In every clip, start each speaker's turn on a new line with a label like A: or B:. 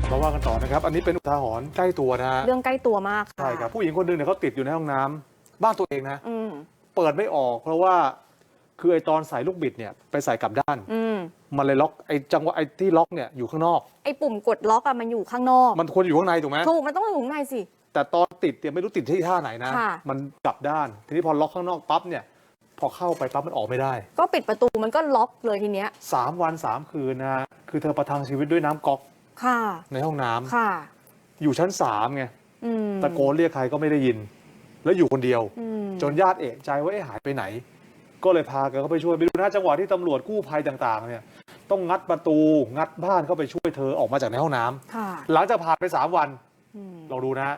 A: มาว่ากันต่อนะครับอันนี้เป็นอุทาหรณ์ใกล้ตัวนะ
B: เรื่องใกล้ตัวมาก
A: ใช่ครับผู้หญิงคนหนึ่งเนี่ยเขาติดอยู่ในห้องน้ำบ้านตัวเองนะเปิดไม่ออกเพราะว่าคือไอตอนใส่ลูกบิดเนี่ยไปใส่กลับด้านมันเลยล็อกไอจังหวะไอที่ล็อกเนี่ยอยู่ข้างนอก
B: ไอปุ่มกดล็อกอะมันอยู่ข้างนอก
A: มันควรอยู่ข้างในถูกไหม
B: ถูกมันต้องอยู่ข้างในสิ
A: แต่ตอนติดเนี่ยไม่รู้ติดที่ท่าไหนนะมันกลับด้านทีนี้พอล็อกข้างนอกปั๊บเนี่ยพอเข้าไปปั๊บมันออกไม่ได้
B: ก็ปิดประตูมันก็ล็อกเลยทีเนี้ย
A: 3 วัน 3 คืนนะคือเธอประทังชีวิตด้วยน้ำก๊อกในห้องน้ำอยู่ชั้น3ไงตะโกนเรียกใครก็ไม่ได้ยินแล้วอยู่คนเดียวจนญาติเอะใจว่าหายไปไหนก็เลยพากันเข้าไปช่วยไปดูนะจังหวะที่ตำรวจกู้ภัยต่างๆเนี่ยต้องงัดประตูงัดบ้านเข้าไปช่วยเธอออกมาจากในห้องน้ำหลังจากผ่านไป3 วันลองดูนะ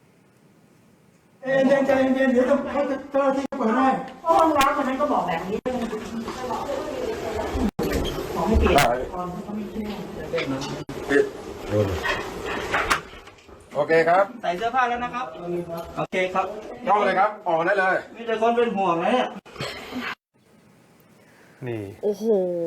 C: ใจเย็นเดี๋ยวเขาจะเจ้าที่เปิดให้
D: ห้องน้ำคนนั้นก็บอกแบบนี้ขอให้เปลี่ยนตอนเขาไม่เชื่อ
E: โอเคครับ
D: ใส่เสื้อผ้าแล้วนะครับโอเคครับ
E: เข้าเลยครับออกได้เลย
D: มีแต่คนเป็นห่วงนะเนี่ย
A: นี่
B: โอ้โห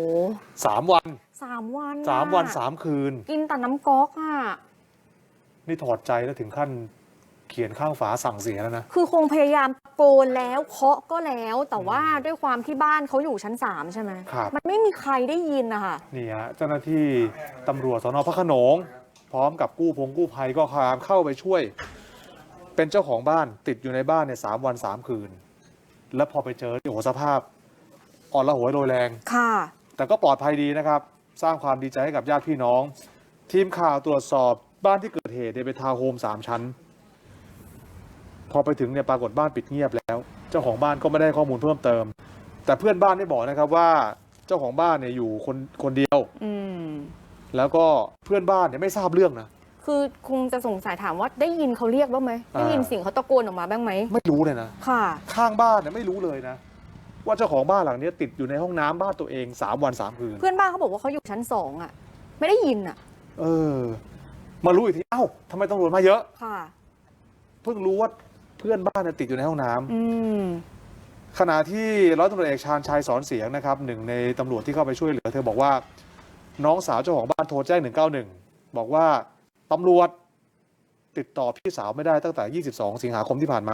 A: 3 วัน
B: 3 วัน
A: 3 วัน 3 คืน
B: กินแต่น้ำก๊อกอ่ะ
A: นี่ถอดใจแล้วถึงขั้นเขียนข้างฝาสั่งเสียแล้วนะ
B: คือคงพยายามตะโกนแล้วเคาะก็แล้วแต่ว่าด้วยความที่บ้านเขาอยู่ชั้น3ใช่ไหมมันไม่มีใครได้ยินนะคะ
A: นี่ฮะเจ้าหน้าที่ตำรวจสน.พระโขนงพร้อมกับกู้ภัยก็พยายามเข้าไปช่วยเป็นเจ้าของบ้านติดอยู่ในบ้านเนี่ย3 วัน 3 คืนแล้วพอไปเจอโอ้โหสภาพอ่อนระหวยโรยแรงแต่ก็ปลอดภัยดีนะครับสร้างความดีใจให้กับญาติพี่น้องทีมข่าวตรวจสอบบ้านที่เกิดเหตุเป็นทาวน์โฮม3 ชั้นพอไปถึงเนี่ยปรากฏบ้านปิดเงียบแล้วเจ้าของบ้านก็ไม่ได้ข้อมูลเพิ่มเติมแต่เพื่อนบ้านได้บอกนะครับว่าเจ้าของบ้านเนี่ยอยู่คนเดียวแล้วก็เพื่อนบ้านเนี่ยไม่ทราบเรื่องนะ
B: คือคงจะสงสัยถามว่าได้ยินเขาเรียกบ้างไหมได้ยินเสียงเขาตะโกนออกมาบ้างไหม
A: ไม่รู้เลยนะข้างบ้านเนี่ยไม่รู้เลยนะว่าเจ้าของบ้านหลังนี้ติดอยู่ในห้องน้ำบ้านตัวเอง3 วัน 3 คืน
B: เพื่อนบ้านเขาบอกว่าเขาอยู่ชั้น2อ่ะไม่ได้ยินอ่ะ
A: มารู้อีกทีเอ้าทำไมตำรวจมาเยอะเพิ่งรู้ว่าเพื่อนบ้านติดอยู่ในห้องน้ำขณะที่ร้อยตำรวจเอกชาญชัยสอนเสียงนะครับหนึ่งในตำรวจที่เข้าไปช่วยเหลือเธอบอกว่าน้องสาวเจ้าของบ้านโทรแจ้ง191บอกว่าตำรวจติดต่อพี่สาวไม่ได้ตั้งแต่22 สิงหาคมที่ผ่านมา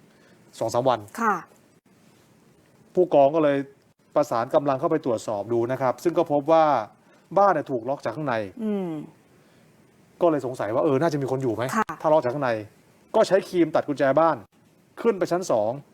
A: 2-3 วันผู้กองก็เลยประสานกำลังเข้าไปตรวจสอบดูนะครับซึ่งก็พบว่าบ้านถูกล็อกจากข้างในก็เลยสงสัยว่าน่าจะมีคนอยู่ไหมถ้าล็อกจากข้างในก็ใช้ครีมตัดกุญแจบ้านขึ้นไปชั้น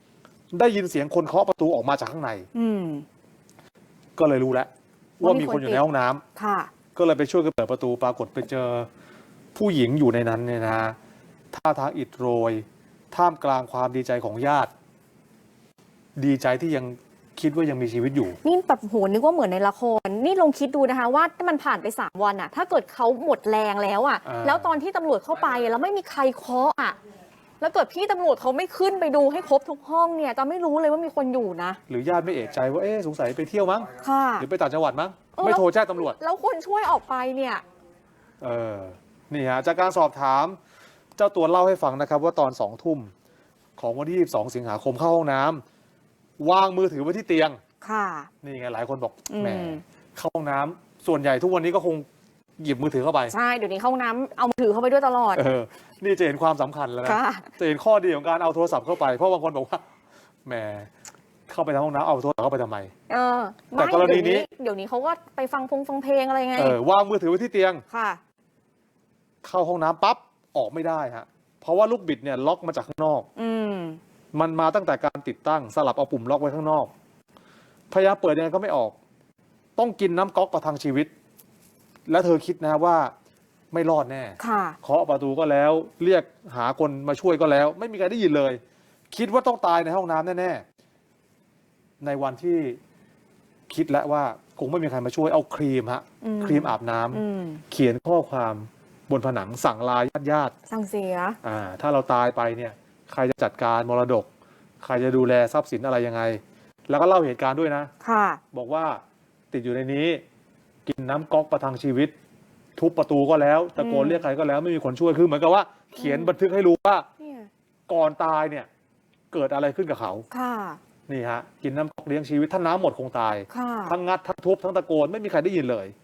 A: 2ได้ยินเสียงคนเคาะประตูออกมาจากข้างในก็เลยรู้แล้วว่ามีคนอยู่ในห้องน้ำก็เลยไปช่วยกันเปิดประตูปรากฏไปเจอผู้หญิงอยู่ในนั้นเนี่ยนะท่าทางอิดโรยท่ามกลางความดีใจของญาติดีใจที่ยังคิดว่ายังมีชีวิตอยู่
B: นี่แบบโหนึกว่าเหมือนในละครนี่ลองคิดดูนะคะว่าถ้ามันผ่านไป3 วันอะถ้าเกิดเขาหมดแรงแล้วอะแล้วตอนที่ตำรวจเข้าไปแล้วไม่มีใครเคาะอะแล้วเกิดพี่ตำรวจเขาไม่ขึ้นไปดูให้ครบทุกห้องเนี่ยจะไม่รู้เลยว่ามีคนอยู่นะ
A: หรือญาติไม่เอะใจว่าสงสัยไปเที่ยวมั้งหรือไปต่างจังหวัดมั้งไม่โทรแจ้งตำรวจ
B: แล้วคนช่วยออกไปเนี่ย
A: นี่ฮะจากการสอบถามเจ้าตัวเล่าให้ฟังนะครับว่าตอน2 ทุ่มของวันที่22 สิงหาคมเข้าห้องน้ำวางมือถือไว้ที่เตียงนี่ไงหลายคนบอกแหมเข้าห้องน้ำส่วนใหญ่ทุกวันนี้ก็คงหยิบมือถือเข้าไป
B: ใช่เดี๋ยวนี้เข้าห้องน้ำเอามือถือเข้าไปด้วยตลอด
A: นี่จะเห็นความสำคัญแล้วนะจะเห็นข้อดีของการเอาโทรศัพท์เข้าไปเพราะบางคนบอกว่าแหมเข้าไปในห้องน้ำเอาโทรศัพท์เข้าไปทำไมแต่กรณีนี้
B: เดี๋ยวนี้เขาก็ไปฟังเพลงอะไรไง
A: วางมือถือไว้ที่เตียงเข้าห้องน้ำปั๊บออกไม่ได้ฮะเพราะว่าลูกบิดเนี่ยล็อกมาจากข้างนอกมันมาตั้งแต่การติดตั้งสลับเอาปุ่มล็อกไว้ข้างนอกพยายามเปิดยังไงก็ไม่ออกต้องกินน้ำก๊อกประทังชีวิตและเธอคิดนะว่าไม่รอดแน่เคาะประตูก็แล้วเรียกหาคนมาช่วยก็แล้วไม่มีใครได้ยินเลยคิดว่าต้องตายในห้องน้ำแน่ๆในวันที่คิดแล้วว่าคงไม่มีใครมาช่วยเอาครีมอาบน้ำเขียนข้อความบนผนังสั่งลาญาติ
B: สั่งเสีย
A: ถ้าเราตายไปเนี่ยใครจะจัดการมรดกใครจะดูแลทรัพย์สินอะไรยังไงแล้วก็เล่าเหตุการณ์ด้วยนะบอกว่าติดอยู่ในนี้กินน้ำก๊อกประทังชีวิตทุบประตูก็แล้วตะโกนเรียกใครก็แล้วไม่มีคนช่วยคือเหมือนกับว่าเขียนบันทึกให้รู้ว่าก่อนตายเนี่ยเกิดอะไรขึ้นกับเขานี่ฮะกินน้ำก๊อกเลี้ยงชีวิตถ้าน้ำหมดคงตายทั้งงัดทั้งทุบทั้งตะโกนไม่มีใครได้ยินเลย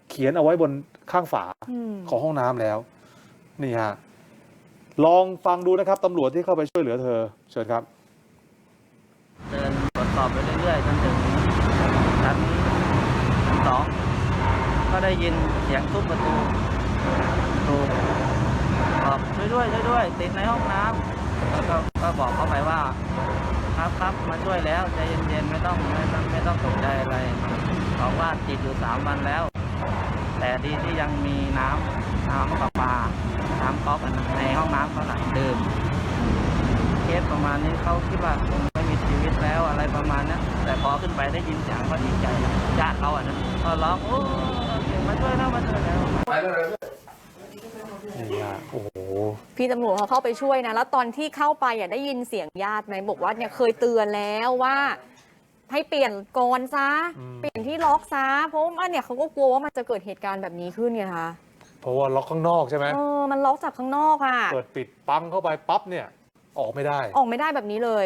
A: เขียนเอาไว้บนข้างฝาของห้องน้ำแล้วนี่ฮะลองฟังดูนะครับตำรวจที่เข้าไปช่วยเหลือเธอเชิญครับ
F: เดินตรวจสอบไปเรื่อยๆจนถึงชั้น2ก็ได้ยินเสียงทุบประตูบอกช่วยด้วยติดในห้องน้ำแล้วก็บอกเขาไปว่าครับมาช่วยแล้วใจเย็นๆไม่ต้องตกใจอะไรบอกว่าติดอยู่3 วันแล้ว แต่ดีที่ยังมีน้ำประปาน้ำก๊อกในห้องน้ำเขาหลังดื่มเคสประมาณนี้เขาคิดว่าคงไม่มีชีวิตแล้วอะไรประมาณนั้นแต่พอขึ้นไปได้ยินเสียงก็ดีใจญาติเขาก็ร้องโอ้มาช่วยแล้ว
E: ไปเลย
A: นี่ฮะโอ้โห
B: พี่ตำรวจเขาเข้าไปช่วยนะแล้วตอนที่เข้าไปได้ยินเสียงญาติไหมบอกว่าเนี่ยเคยเตือนแล้วว่าให้เปลี่ยนกรซะเปลี่ยนที่ล็อกซะเพราะว่าเนี่ยเขาก็กลัวว่ามันจะเกิดเหตุการณ์แบบนี้ขึ้นไงคะ
A: เพราะว่าล็อกข้างนอกใช่ไหม
B: มันล็อกจากข้างนอกอ่ะ
A: เปิดปิดปังเข้าไปปั๊บเนี่ยออกไม่ได้
B: แบบนี้เลย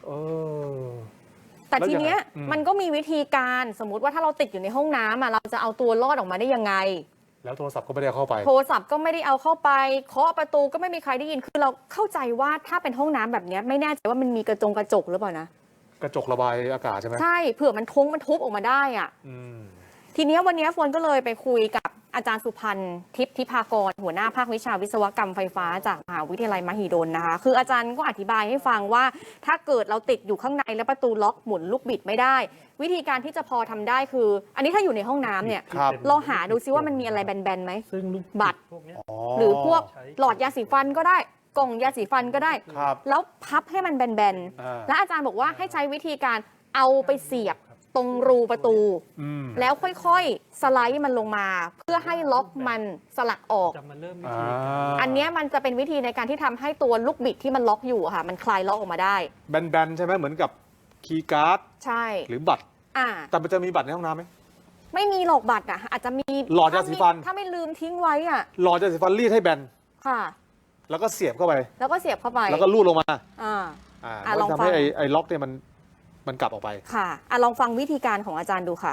B: แต่ทีเนี้ยมันก็มีวิธีการสมมุติว่าถ้าเราติดอยู่ในห้องน้ำเราจะเอาตัวรอดออกมาได้ยังไง
A: แล้วโทรศัพท์ก็ไม่ได้เข้าไป
B: โทรศัพท์ก็ไม่ได้เอาเข้าไปเคาะประตูก็ไม่มีใครได้ยินคือเราเข้าใจว่าถ้าเป็นห้องน้ำแบบนี้ไม่แน่ใจว่ามันมีกระจกหรือเปล่านะ
A: กระจกระบายอากาศใช่ไหม
B: ใช่เผื่อมันทุบออกมาได้อ่ะทีนี้วันนี้ฝนก็เลยไปคุยกับอาจารย์สุพันธ์ทิพย์ทิพากรหัวหน้าภาควิชาวิศวกรรมไฟฟ้าจากมหาวิทยาลัยมหิดลนะคะคืออาจารย์ก็อธิบายให้ฟังว่าถ้าเกิดเราติดอยู่ข้างในแล้วประตูล็อกหมุนลูกบิดไม่ได้วิธีการที่จะพอทำได้คืออันนี้ถ้าอยู่ในห้องน้ำเนี่ยลองหาดูซิว่ามันมีอะไรแบนๆไหมบัตรหรือพวกหลอดยาสีฟันก็ได้กล่องยาสีฟันก็ได้แล้วพับให้มันแบนๆและอาจารย์บอกว่าให้ใช้วิธีการเอาไปเสียบตรงรูประตูแล้วค่อยๆสไลด์มันลงมาเพื่อให้ล็อกมันสลักออกอันนี้มันจะเป็นวิธีในการที่ทำให้ตัวลูกบิดที่มันล็อกอยู่ค่ะมันคลายล็อกออกมาได้
A: แบนๆใช่ไหมเหมือนกับคีย์การ์ด
B: ใช่
A: หรือบัตรแต่มันจะมีบัตรในห้องน้ำไหม
B: ไม่มีหลอกบัตรอาจจะมี
A: หลอดยาสีฟัน
B: ถ้าไม่ลืมทิ้งไว้
A: หลอดยาสีฟันรีดให้แบน
B: ค่ะ
A: แล้วก็เสียบเข้าไป
B: แล้ว
A: ก็ลูดลงมา
B: ลอง
A: ทำให้ไอ้ล็อกเนี่ยมันกลับออกไป
B: ค่ะลองฟังวิธีการของอาจารย์ดูค่ะ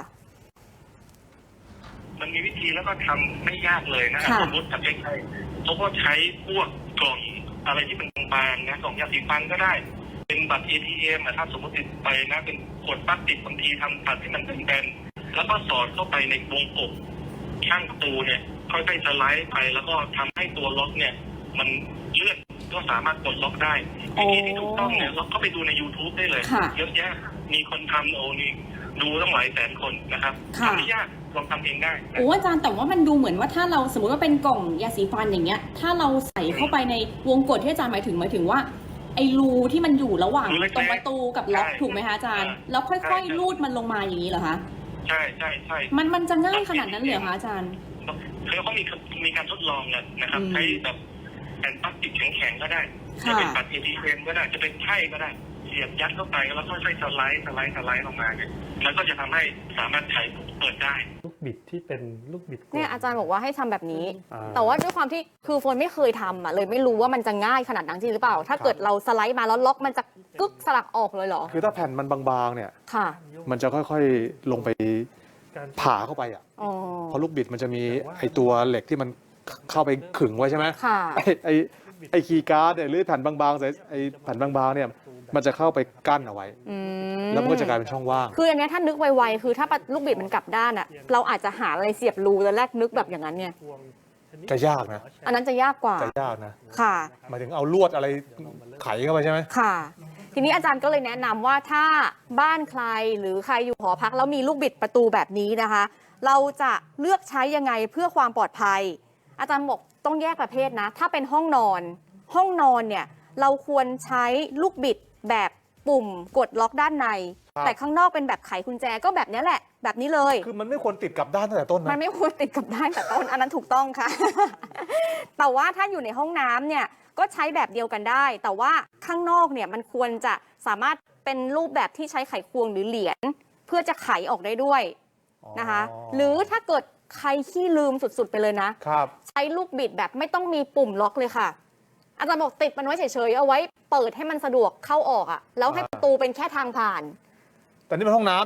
G: มันมีวิธีแล้วก็ทำไม่ยากเลยนะครับสมมติทำใกล้ๆเขาก็ใช้พวกกล่องอะไรที่เป็นบางๆนะกล่องยาสีฟันก็ได้เป็นบัตร ATM ถ้าสมมติติดไปนะเป็นขวดพลาสติกบางทีทำบัตรที่มันเป็นแบนแล้วก็สอดเข้าไปในวงกบข้างประตูเนี่ยค่อยๆสไลด์ไปแล้วก็ทำให้ตัวล็อกเนี่ยมันเลื่อนก็สามารถกดล็อกได้วิธีที่ถูกต้องเนี่ยเราก็ไปดูใน YouTube ได้เลยเยอะแยะมีคนทำนี่ดูตั้งหลายแสนคนนะครับทำไม่ยากลองทำเองได้
H: อาจารย์แต่ว่ามันดูเหมือนว่าถ้าเราสมมติว่าเป็นกล่องยาสีฟันอย่างเงี้ยถ้าเราใส่เข้าไปในวงกดที่อาจารย์หมายถึงว่าไอ้รูที่มันอยู่ระหว่างตรงประตูกับล็อกถูกไหมคะอาจารย์แล้วค่อยๆลูดมันลงมาอย่างนี้เหรอคะ
G: ใช่
H: มันจะง่ายขนาดนั้นเลยเหรอคะอาจารย์
G: คือเขามีการทดลองเลยนะครับใช้แบบแผ่นพลาสติกแข็งๆก็ได้จะเป็นบัตร ATM ก็ได้จะเป็นไพ่ก็ได้เสียบยัดเข้าไปแล้วค่อยๆสไลด์ลงมาเนี่ยแล้วก็จะทำให้สามารถไขเปิดได้
I: ลูกบิดที่เป็นลูกบิด
B: เนี่ยอาจารย์บอกว่าให้ทำแบบนี้แต่ว่าด้วยความที่คือฝนไม่เคยทำเลยไม่รู้ว่ามันจะง่ายขนาดนั้นจริงหรือเปล่าถ้าเกิดเราสไลด์มาแล้วล็อกมันจะกึกสลักออกเลยเหรอ
A: คือถ้าแผ่นมันบางๆเนี่ยมันจะค่อยๆลงไปผ่าเข้าไปเพราะลูกบิดมันจะมีไอตัวเหล็กที่มันเข้าไปขึงไว้ใช่ไหมไอคีย์การ์ดเนี่ยหรือแผ่นบางๆไอแผ่นบางๆเนี่ยมันจะเข้าไปกั้นเอาไว้แล้วมันก็จะกลายเป็นช่องว่าง
B: คืออันนี้ถ้านึกไวๆคือถ้าลูกบิดมันกลับด้านเราอาจจะหาอะไรเสียบรูแล้วแรกนึกแบบอย่างนั้นเนี่ย
A: จะยากนะ
B: อันนั้นจะยากกว่า
A: จะยากนะค่ะ
B: หมาย
A: ถึงเอาลวดอะไรไขเข้าไปใช่ไหม
B: ค่ะทีนี้อาจารย์ก็เลยแนะนำว่าถ้าบ้านใครหรือใครอยู่หอพักแล้วมีลูกบิดประตูแบบนี้นะคะเราจะเลือกใช้ยังไงเพื่อความปลอดภัยอาจารย์บอกต้องแยกประเภทนะถ้าเป็นห้องนอนเนี่ยเราควรใช้ลูกบิดแบบปุ่มกดล็อกด้านในแต่ข้างนอกเป็นแบบไขกุญแจก็แบบนี้แหละแบบนี้เลย
A: คือมันไม่ควรติดกับด้านตั้งแต่ต้นนะ
B: มันไม่ควรติดกับด้านแต่ต้นอันนั้นถูกต้องค่ะ แต่ว่าถ้าอยู่ในห้องน้ำเนี่ยก็ใช้แบบเดียวกันได้แต่ว่าข้างนอกเนี่ยมันควรจะสามารถเป็นรูปแบบที่ใช้ไขควงหรือเหรียญเพื่อจะไขออกได้ด้วยนะคะหรือถ้าเกิดใครขี้ลืมสุดๆไปเลยนะใช้ลูกบิดแบบไม่ต้องมีปุ่มล็อกเลยค่ะอาจารย์บอกติดมันไว้เฉยๆเอาไว้เปิดให้มันสะดวกเข้าออกแล้วให้ประตูเป็นแค่ทางผ่าน
A: แต่นี่มันห้องน้ำนะ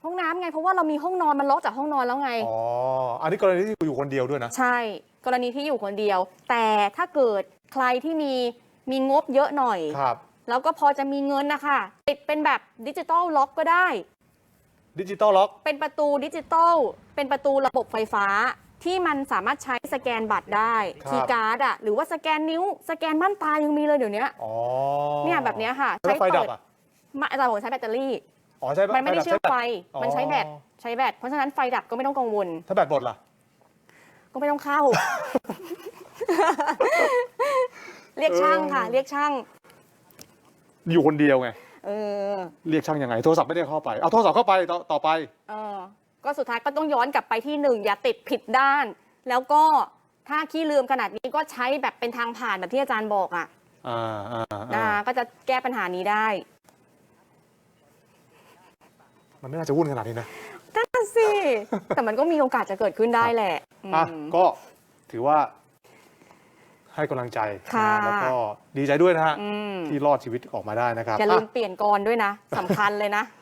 B: ห้องน้ำไงเพราะว่าเรามีห้องนอนมันล็อกจากห้องนอนแล้วไง
A: อ๋อ อันนี้กรณีที่อยู่คนเดียวด้วยนะ
B: ใช่ กรณีที่อยู่คนเดียว แต่ถ้าเกิดใครที่มีงบเยอะหน่อย
A: ครับ
B: แล้วก็พอจะมีเงินนะคะติดเป็นแบบดิจิตอลล็อกก็ได้
A: ดิจิตอลล็อก
B: เป็นประตูดิจิตอลเป็นประตูระบบไฟฟ้าที่มันสามารถใช้สแกนบัตรได้
A: ครับ
B: คีย์การ์ดอะหรือว่าสแกนนิ้วสแกนม่านตายังมีเลยเดี๋ยวนี้
A: อ๋อ
B: เนี่ยแบบเนี้ยค่ะ
A: แล้วไฟดับอ่ะ
B: อาจารย์บอกใช้แบตเตอรี่
A: อ๋อใช่
B: มันไม่ได้เชื่อมไฟ
A: อ๋อ
B: มันใช้แบตเพราะฉะนั้นไฟดับก็ไม่ต้องกังวล
A: ถ้าแบตหมดล่ะ
B: ก็ไม่ต้องเข้า เรียกช่างค่ะ เรียกช่าง
A: อยู่คนเดียวไง
B: เออ
A: เรียกช่างยังไง โทรศัพท์ไม่ได้เข้าไป เอาโทรศัพท์เข้าไปต่อไป
B: เออ ก็สุดท้ายก็ต้องย้อนกลับไปที่หนึ่งอย่าติดผิดด้าน แล้วก็ถ้าขี้ลืมขนาดนี้ก็ใช้แบบเป็นทางผ่านแบบที่อาจารย์บอกอ่ะก็จะแก้ปัญหานี้ได้
A: มันไม่น่าจะวุ่นขนาดนี้นะ
B: นั่นสิ แต่มันก็มีโอกาสจะเกิดขึ้นได้แหละ
A: อ่ะ ก็ถือว่าให้กำลังใจ
B: ค่ะ
A: นะแล้วก็ดีใจด้วยนะฮะ
B: อืม
A: ที่รอดชีวิตออกมาได้นะครับ
B: อย่าลืมเปลี่ยนกรด้วยนะสำคัญเลยนะ